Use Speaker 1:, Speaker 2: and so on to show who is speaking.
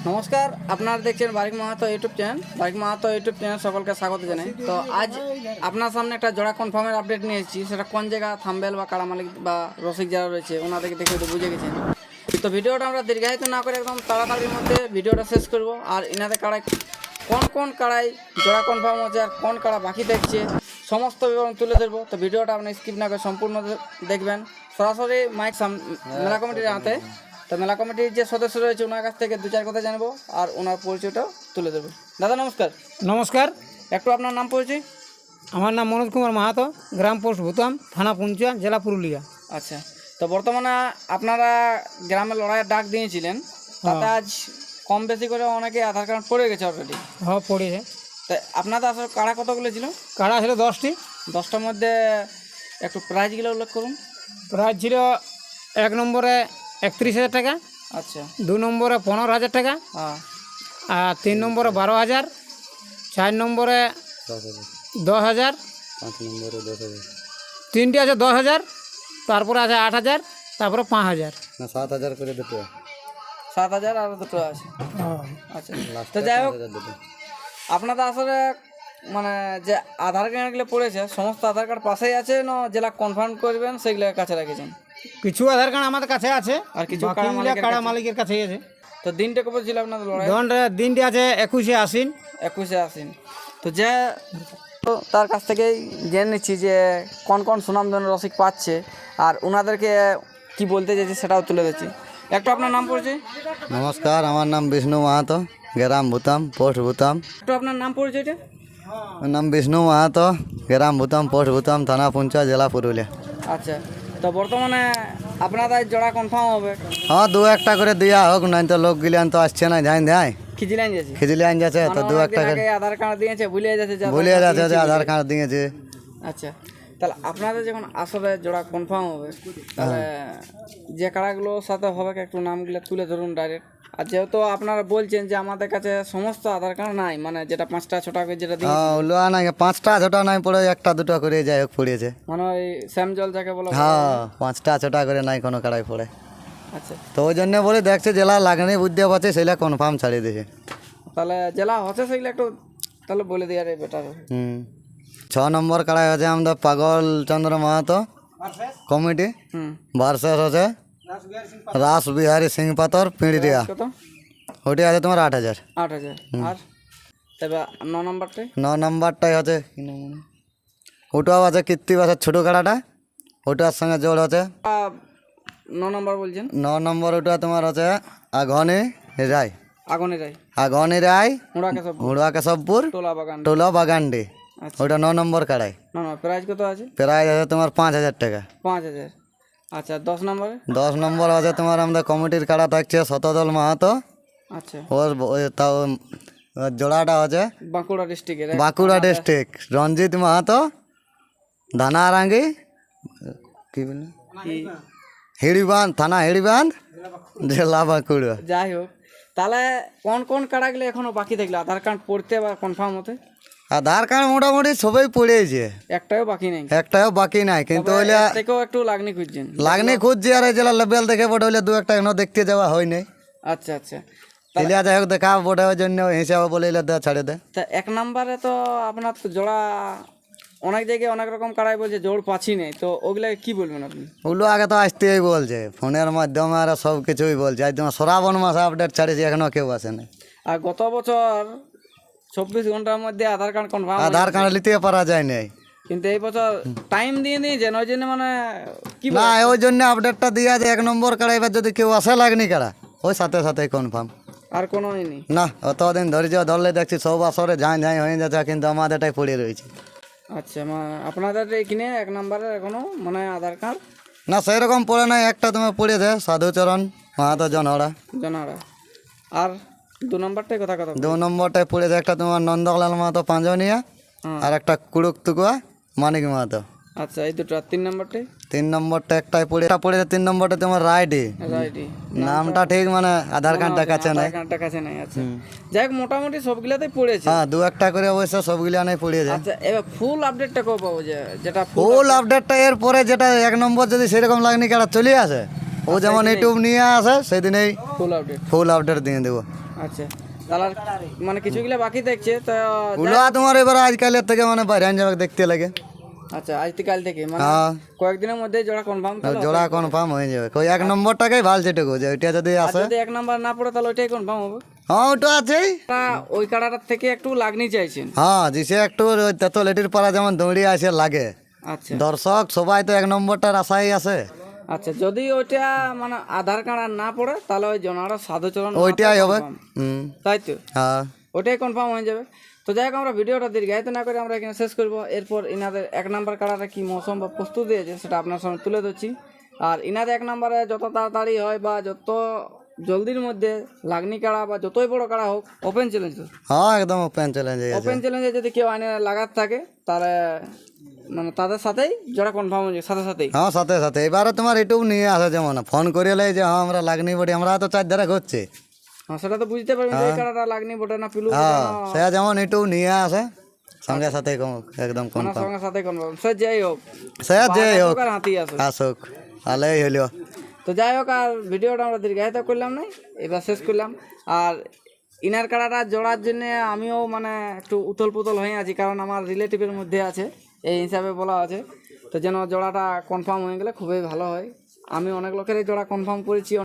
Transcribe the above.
Speaker 1: নমস্কার, আপনারা দেখছেন Barik Mahato YouTube channel. Barik Mahato YouTube channel সকলকে স্বাগত জানাই। তো আজ আপনার সামনে একটা জোড়া কনফার্মের আপডেট নিয়ে এসেছি। সেটা কোন জায়গা থাম্বেল বা কাড়া মালিক বা রসিক যারা রয়েছে ওনাদেরকে দেখে তো বুঝে গেছেন। তো ভিডিওটা আমরা দীর্ঘায়িত না করে একদম তাড়াতাড়ির মধ্যে ভিডিওটা শেষ করব। আর ইনাদের কাড়ায় কোন কাড়াই জোড়া কনফার্ম হচ্ছে আর কোন কাড়া বাকি দেখছে সমস্ত বিবরণ তুলে ধরবো। তো ভিডিওটা আপনি স্কিপ না করে সম্পূর্ণ দেখবেন। সরাসরি মাইক মেলা কমিটির হাতে। তো মেলা কমিটির যে সদস্য রয়েছে ওনার কাছ থেকে দু চার কথা জানবো আর ওনার পরিচয়টাও তুলে দেবো। দাদা নমস্কার।
Speaker 2: নমস্কার,
Speaker 1: একটু আপনার নাম পরিচয়।
Speaker 2: আমার নাম মনোজ কুমার মাহাতো, গ্রাম পোস্ট ভুতাম, থানা পুঞ্চা, জেলা পুরুলিয়া।
Speaker 1: আচ্ছা, তো বর্তমানে আপনারা গ্রামে লড়াইয়ের ডাক দিয়েছিলেন, তাতে আজ কম বেশি করে অনেকে আধার কার্ড পড়ে গেছে অলরেডি।
Speaker 2: হ্যাঁ, পড়েছে।
Speaker 1: তা আপনাদের আসলে কাড়া কতগুলো ছিল?
Speaker 2: কাড়া ছিল 10টি।
Speaker 1: 10টার মধ্যে একটু প্রাইজগুলো উল্লেখ করুন।
Speaker 2: প্রাইজ ছিল 1 নম্বরে 31,000 টাকা,
Speaker 1: আচ্ছা,
Speaker 2: 2 নম্বরে 15,000 টাকা,
Speaker 1: হ্যাঁ,
Speaker 2: আর 3 নম্বরে 12,000, 4 নম্বরে 10,000,
Speaker 3: 5 নম্বরে 10,000
Speaker 2: তিনটি আছে 10,000, তারপরে আছে 8,000, তারপরে 5,000।
Speaker 3: না 7,000 করে দুটো
Speaker 1: 7,000 আর দুটো আছে। আচ্ছা,
Speaker 3: লাস্ট
Speaker 1: তো যাই হোক,
Speaker 3: 5,000 দুটো।
Speaker 1: আপনাদের আসলে মানে যে আধার কার্ডগুলো পড়েছে সমস্ত আধার কার্ড পাশেই আছে না, যেটা কনফার্ম করবেন সেগুলো কাছে রেখেছেন?
Speaker 2: কিছু আধার কার্ড আমাদের কাছে আছে
Speaker 1: আর কিছু
Speaker 2: বাকিগুলো কাড়া মালিকের কাছেই আছে।
Speaker 1: তো দিনটা কবে ছিল আপনাদের লড়াই?
Speaker 2: দিনটি আছে 21শে আশ্বিন।
Speaker 1: 21শে আশ্বিন। তো যে তো তার কাছ থেকেই জেনে নিচ্ছি যে কোন সুনামধন্য রসিক পাচ্ছে আর ওনাদেরকে কি বলতে চাইছে সেটাও তুলে দিচ্ছি। একটু আপনার নাম পরিচয়।
Speaker 3: নমস্কার, আমার নাম বিষ্ণু মাহাতো, গ্রাম ভুতাম, পোস্ট ভুতাম।
Speaker 1: একটু আপনার নাম পরিচয়টা।
Speaker 3: আমার নাম বিষ্ণু মাহাতো, গ্রাম ভুতাম, পোস্ট ভুতাম, থানা পুঞ্চা, জেলা পুরুলিয়া।
Speaker 1: আচ্ছা, তো বর্তমানে আপনাদের জোড়া কনফার্ম হবে?
Speaker 3: হ্যাঁ, 2-1টা করে দিয়া হোক, নাই তো লোক গিলান তো আসছে না, যাই দেয়
Speaker 1: খিজিলাইন যাচ্ছে,
Speaker 3: খিচলিয়ান যাচ্ছে তো 2-1টা করে
Speaker 1: আধার কার্ড দিয়েছে ভুলে যাচ্ছে যে
Speaker 3: বলে যাচ্ছে যে আধার কার্ড দিয়েছে।
Speaker 1: আচ্ছা, তাহলে আপনাদের যখন আসলে জোড়া কনফার্ম হবে তাহলে যে কাড়াগুলোর সাথে হবে একটু নামগুলো তুলে ধরুন ডাইরেক্ট। আর যেহেতু আপনারা বলছেন যে আমাদের কাছে সমস্ত আধার কার্ড নাই, মানে যেটা 5টা 6টা করে যেটা দিই,
Speaker 3: হ্যাঁ, লোয়া নাই 5টা 6টা নাই পড়ে 1টা 2টা করে যাই হোক পড়েছে।
Speaker 1: মানে ওই শ্যাম জল যাকে বলো।
Speaker 3: হ্যাঁ, 5টা 6টা করে নাই কোনো কাড়াই পড়ে।
Speaker 1: আচ্ছা,
Speaker 3: তো ওই জন্য বলে দেখছে জেলা লাগনি বুঝতে পারছে সেটা কনফার্ম ছাড়িয়ে দিয়েছে।
Speaker 1: তাহলে জেলা হচ্ছে সেগুলো একটু তাহলে বলে দিয়ে আরে বেটার।
Speaker 3: 6 নম্বর কাড়াই হচ্ছে আমাদের পাগল চন্দ্র মাহাতো কমিটি ভার্সেস হচ্ছে রাস বিহারী সিং পাতর পিঁড়িয়া।
Speaker 1: কত?
Speaker 3: ওটি আছে তোমার 8,000।
Speaker 1: 8,000। আর তবে 9 নম্বরটাই
Speaker 3: 9 নম্বরটাই হচ্ছে ওটাও আছে কীর্তি বাসের ছোটো কাড়াটা, ওটার সঙ্গে জোর হচ্ছে
Speaker 1: 9 নম্বর বলছেন।
Speaker 3: 9 নম্বর ওটা তোমার হচ্ছে আঘনি রায়,
Speaker 1: আগুনে যাই
Speaker 3: আঘনি রায়,
Speaker 1: মুড়াকে সব
Speaker 3: হুড়া কেশবপুর,
Speaker 1: টোলা বাগান।
Speaker 3: টোলা বাগানডি।
Speaker 1: আচ্ছা,
Speaker 3: ওটা 9 নম্বর কাড়াই।
Speaker 1: না প্রাইস কত আছে?
Speaker 3: প্রাইস আছে তোমার 5,000 টাকা।
Speaker 1: 5,000। আচ্ছা, 10 নম্বরে?
Speaker 3: 10 নম্বর আছে তোমার আমাদের কমিটির কাড়া থাকছে শতদল মাহাতো,
Speaker 1: আচ্ছা,
Speaker 3: তাও ওর জোড়াটা হচ্ছে
Speaker 1: বাঁকুড়া ডিস্ট্রিক্টের
Speaker 3: বাঁকুড়া ডিস্ট্রিক্ট রঞ্জিত মাহাতো, ধানারাঙ্গি কি বলে হিড়িবাঁধ, থানা হিড়িবাঁধ, জেলা বাঁকুড়া।
Speaker 1: যাই হোক, তাহলে কোন কাড়াগুলো এখনো বাকি থাকলো আধার কার্ড পড়তে বা কনফার্ম হতে?
Speaker 3: আধার কার্ড মোটামুটি সবাই পড়েছে,
Speaker 1: একটাও বাকি নেই।
Speaker 3: একটাও বাকি নাই, কিন্তু
Speaker 1: তবে
Speaker 3: হইলে
Speaker 1: এর থেকেও একটু লাগনি খুঁজছেন।
Speaker 3: লাগনি খুঁজছি আর এই জেলা লেভেল দেখে বটে হইলে 2-1টা এখনো দেখতে যাওয়া হয় নাই।
Speaker 1: আচ্ছা আচ্ছা,
Speaker 3: তাহলে যাই হোক দেখা বটে ওই জন্য হিসাবে বলে দে ছাড়ে দে।
Speaker 1: তা 1 নম্বরে তো আপনার তো জোড়া অনেক জায়গায় অনেক রকম কাড়াই বলছে জোড় পাচ্ছি নেই, তো ওগুলা কি বলবেন আপনি?
Speaker 3: ওগুলো আগে তো আসতেই বলছে ফোনের মাধ্যমে আর সব কিছুই বলছে, আজ তোমার শ্রাবণ মাসে আপডেট ছাড়েছি এখনো কেউ আসে নাই।
Speaker 1: আর গত বছর 24 ঘন্টার মধ্যে Aadhaar card confirm,
Speaker 3: Aadhaar card নিতে পারা যায় নাই,
Speaker 1: কিন্তু এই বছর টাইম দিয়ে দিয়েছেন ওই জন্য মানে কি
Speaker 3: না ওই জন্য আপডেটটা দিয়া যে 1 নম্বর কাড়া এবার যদি কেউ আসে লাগনি কাড়া ওই সাথে সাথে কনফার্ম।
Speaker 1: আর কোনো নেই?
Speaker 3: না, অতদিন ধৈর্য ধরলে দেখছি সব আসরে ঝাঁই হয়ে যাচ্ছে, কিন্তু আমাদেরটাই পড়ে রয়েছে।
Speaker 1: আচ্ছা, আপনাদের এখানে 1 নম্বরের এখনো মানে আধার কার্ড
Speaker 3: না সেরকম পড়ে নাই, একটা তোমার পড়েছে সাধুচরণ মাহাতো জনহরা।
Speaker 1: জানারা। আর 2 নম্বরটাই কথা
Speaker 3: 2 নম্বরটায় পড়েছে একটা তোমার নন্দলাল মাহাতো পাঁজনিয়া, আর একটা কুড়ুক তুকুয়া মানিক মাহাতো।
Speaker 1: আচ্ছা, এই দুটো। 3 নম্বরটাই
Speaker 3: 3 নম্বরটা একটাই পড়েছে 3 নম্বরটা তোমার রাইডি,
Speaker 1: রাইটি
Speaker 3: নামটা ঠিক মানে আধার কার্ডটা কাছে নাই।
Speaker 1: আধার কার্ডটা কাছে নাই। আচ্ছা, যাই হোক মোটামুটি সবগুলাতেই পড়েছে।
Speaker 3: হ্যাঁ, 2-1টা করে অবশ্য সবগুলো নাই পড়েছে।
Speaker 1: আচ্ছা, এবার ফুল আপডেটটা কবে পাবো? যেটা
Speaker 3: ফুল আপডেটটা এর পরে যেটা 1 নম্বর যদি সেরকম লাগনি কারা চলে আসে, ও যেমন ইউটিউব নিয়ে আসে সেদিনেই
Speaker 1: ফুল আপডেট।
Speaker 3: ফুল আপডেট দিয়ে দেবো।
Speaker 1: আচ্ছা তাহলে আর মানে কিছুগুলো বাকি দেখছে তো
Speaker 3: ওগুলো তোমার এবার আজকালের থেকে মানে বাইরে যাবে দেখতে লাগে।
Speaker 1: আচ্ছা আজ থেকে কাল থেকে মানে
Speaker 3: হ্যাঁ
Speaker 1: কয়েকদিনের মধ্যে জোড়া কনফার্ম
Speaker 3: জোড়া কনফার্ম হয়ে যাবে। ওই 1 নম্বরটাকেই ভাল যেটুকু যে ওইটা যদি আসে,
Speaker 1: যদি 1 নাম্বার না পড়ে তাহলে ওইটাই কনফার্ম হবে।
Speaker 3: হ্যাঁ ওটা আছেই।
Speaker 1: তা ওই কাড়াটার থেকে একটু লাগনি চাইছেন।
Speaker 3: হ্যাঁ জিসে একটু ওই তেতলেটির পাড়া যেমন দৌড়িয়ে আসে লাগে,
Speaker 1: আচ্ছা
Speaker 3: দর্শক সবাই তো 1 নম্বরটার আশাই আছে।
Speaker 1: আচ্ছা যদি ওইটা মানে আধার কার্ড আর না পড়ে তাহলে ওই জনারা সাধুচরণ
Speaker 3: ওইটাই হবে।
Speaker 1: confirm।
Speaker 3: হুম
Speaker 1: তাই তো
Speaker 3: হ্যাঁ
Speaker 1: ওটাই কনফার্ম হয়ে যাবে। তো যাই হোক আমরা ভিডিওটা দীর্ঘায়িত না করে আমরা এখানে শেষ করবো। এরপর ইনাদের 1 নাম্বার কাড়াটা কি মৌসুম বা প্রস্তুতি আছে সেটা আপনার সামনে তুলে ধরছি। আর ইনাদের 1 নাম্বারে যত তাড়াতাড়ি হয় বা যত জলদির মধ্যে লাগনি কাড়া বা যতই বড় কাড়া হোক ওপেন চ্যালেঞ্জ।
Speaker 3: হ্যাঁ একদম ওপেন চ্যালেঞ্জ আছে।
Speaker 1: ওপেন চ্যালেঞ্জে যদি কেউ আইনে লাগাত থাকে তাহলে মানে তাদের সাথেই যারা কনফার্ম হয়ে যায় সাথে সাথেই।
Speaker 3: হ্যাঁ সাথে সাথে এবারে তোমার এটুকু নিয়ে আসে যেমন ফোন করে এলে যে হ্যাঁ আমরা লাগনি বডি, আমরা তো 4 ধারে ঘুরছি।
Speaker 1: হ্যাঁ সেটা তো বুঝতে পারবেন যে এই কাড়াটা লাগনি বটে না পিলু
Speaker 3: হ্যাঁ সে যেমন এটুকু নিয়ে আসে সঙ্গে সাথে একদম
Speaker 1: না
Speaker 3: কনফার্ম।
Speaker 1: সঙ্গে সাথে কনফার্ম সে যাই হোক
Speaker 3: সে যে হোক
Speaker 1: আর হাতি আসুক।
Speaker 3: আসুক ভালোই হইল।
Speaker 1: তো যাই হোক আর ভিডিওটা আমরা দীর্ঘায়িত করলাম না, এবার শেষ করলাম। আর ইনার কাড়াটা জোড়ার জন্য আমিও মানে একটু উতল পুতল হয়ে আছি, কারণ আমার রিলেটিভের মধ্যে আছে এই হিসাবে বলা আছে। তো যেন জোড়াটা কনফার্ম হয়ে গেলে খুবই ভালো হয়। আমি অনেক লোকেরই জোড়া কনফার্ম করেছি।